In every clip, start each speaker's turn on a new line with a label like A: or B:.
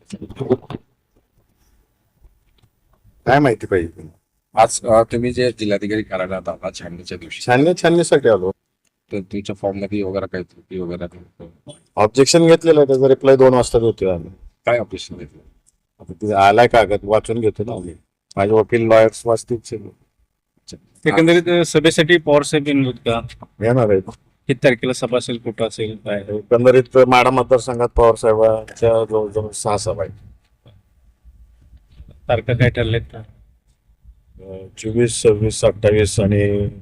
A: काय माहिती पाहिजे?
B: आज तुम्ही जे जिल्हाधिकारी कार्यालयात आला छाननीच्या दिवशी,
A: छाननीसाठी आलो.
B: तर तुमच्या फॉर्म मध्ये वगैरे काही त्रुटी वगैरे
A: ऑब्जेक्शन घेतलेलं आहे, त्याचा रिप्लाय 2 वाजता देतोय आम्ही.
B: काय ऑपरेशन घेतलं?
A: आता ते आलाय कागद वाचून घेतो ना आम्ही. माझे वकील लॉयर्स वाचतील सगळे.
C: एकंदरीत सभेसाठी पवार साहेब येणार का?
A: येणार आहे.
C: किती तारखेला सभा असेल, कुठं असेल, काय?
A: एकंदरीत माढा मतदारसंघात पवार साहेबांच्या जवळजवळ 6 सभा आहेत.
C: तारखा काय ठरलेत का?
A: 24, 26, 28 आणि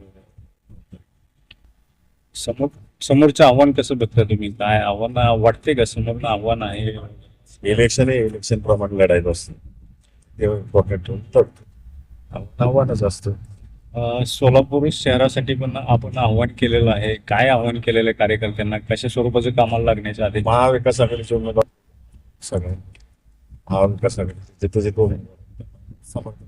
C: समोरचं आव्हान कसं बघता तुम्ही? काय आव्हान वाटते का? समोरनं आव्हान आहे?
A: इलेक्शन हे इलेक्शन प्रमाणे लढायचं असतं. ते इम्पॉर्टंट ठेवून लढतो. आव्हानच असतं.
C: सोलापूर शहरासाठी पण आपण आव्हान केलेलं आहे. काय आव्हान केलेलं आहे कार्यकर्त्यांना? कशा स्वरूपाचं कामाला लागण्याच्या आधी?
A: महाविकास आघाडीचे उमेदवार सगळे महाविकास आघाडी जिथे जिथे उमेदवार समर्थन.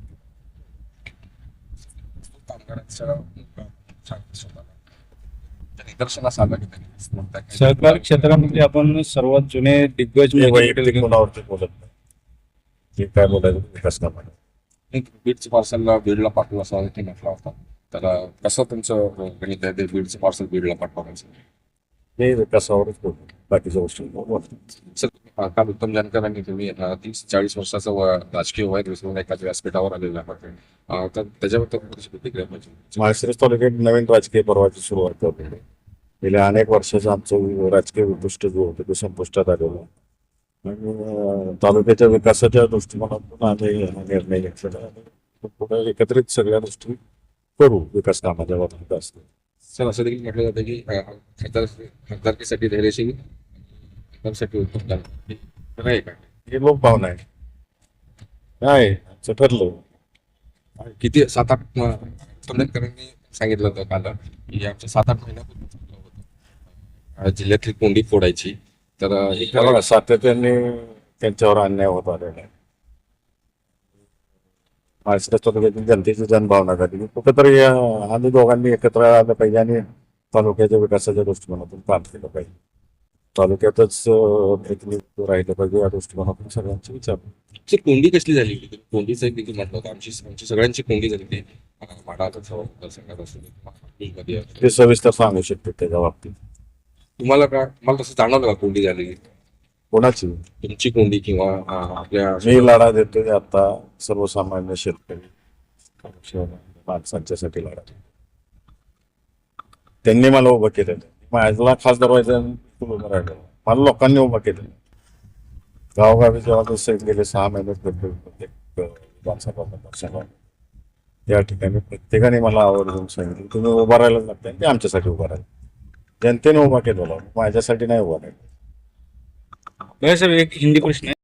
B: निदर्शनास आलं की त्यांनी
C: सहकार क्षेत्रामध्ये आपण सर्वात जुने दिग्गज
A: हे
C: म्हणजे
A: वैयक्तिक कोणावरती बोलत नाही. जे काय बोलायचं विकास कामाला.
B: बीडचं पार्सलला बीडला पाठवू असं ते म्हटलं होतं. त्याला कसं तुमचं गणित आहे ते बीडचं पार्सल बीडला पाठवायचं?
A: हे विकासावरच बोलतो, बाकीच्या गोष्टी बोलतो.
B: सर, काल उत्तम जानकरांनी तुम्ही 30-40 वर्षाचं राजकीय वय विसरून एखाद्या व्यासपीठावर आलेलं आहे, तर त्याच्याबद्दल तुमची प्रतिक्रिया पाहिजे.
A: माळशिरस तालुक्यात नवीन राजकीय पर्वाची सुरुवात होते. गेल्या अनेक वर्षाचं आमचं राजकीय उद्दिष्ट जो होतं ते संपुष्टात आलेलं. आणि तालुक्याच्या विकासाच्या दृष्टिकोनातून आम्ही हा निर्णय घेतलेला आहे. पुढे एकत्रित सगळ्या गोष्टी करू विकास कामाच्या बाबतीत असतो.
B: सर, असं देखील म्हटलं जातं की खासदारकीसाठी धैर्यशील, खासदारसाठी उत्तम जानकर खरं आहे का?
A: हे लोकभावना आहे. काय आमचं ठरलं.
B: किती 7-8 उत्तम जानकरांनी सांगितलं होतं काल की आमच्या 7-8 महिन्यापूर्वी ठरलं होतं जिल्ह्यातली कोंडी फोडायची. तर
A: हे बघा, सातत्याने त्यांच्यावर अन्याय होत आलेला आहे. माळशिरस तालुक्यातील जनतेची जनभावना झाली. कुठंतरी आम्ही दोघांनी एकत्र आलं पाहिजे आणि तालुक्याच्या विकासाच्या दृष्टिकोनातून काम केलं पाहिजे. तालुक्यातच प्रतिनिधित्व राहिलं पाहिजे या दृष्टिकोनातून सगळ्यांचे विचार.
B: कोंडी कसली झाली? कोंडीचं एक देखील म्हटलं होतं आमची सगळ्यांची कोंडी झाली. ते माढाचा मतदारसंघात असू दे,
A: ते सविस्तर सांगू शकते त्याच्या बाबतीत.
B: तुम्हाला तसं जाणवलं का कोंडी झाली?
A: कोणाची?
B: तुमची कोंडी किंवा आपल्या
A: मी लढा देतोय आता सर्वसामान्य शेतकरी माणसांच्यासाठी लढा. त्यांनी मला उभं केलेलं. माझ्याला खासदार व्हायचं उभं राहिलं. मला लोकांनी उभं केलेलं. गावोगावी जेव्हा गेले 6 महिने प्रत्येक विधानसभा मतदारसंघात त्या ठिकाणी प्रत्येकाने मला आवर्जून सांगितलं तुम्ही उभा राहायला लागताय. ते आमच्यासाठी उभा राहिलं. जनतेने उभा केलेला, माझ्यासाठी नाही उभा राहिलं.
C: साहेब, एक हिंदी प्रश्न आहे.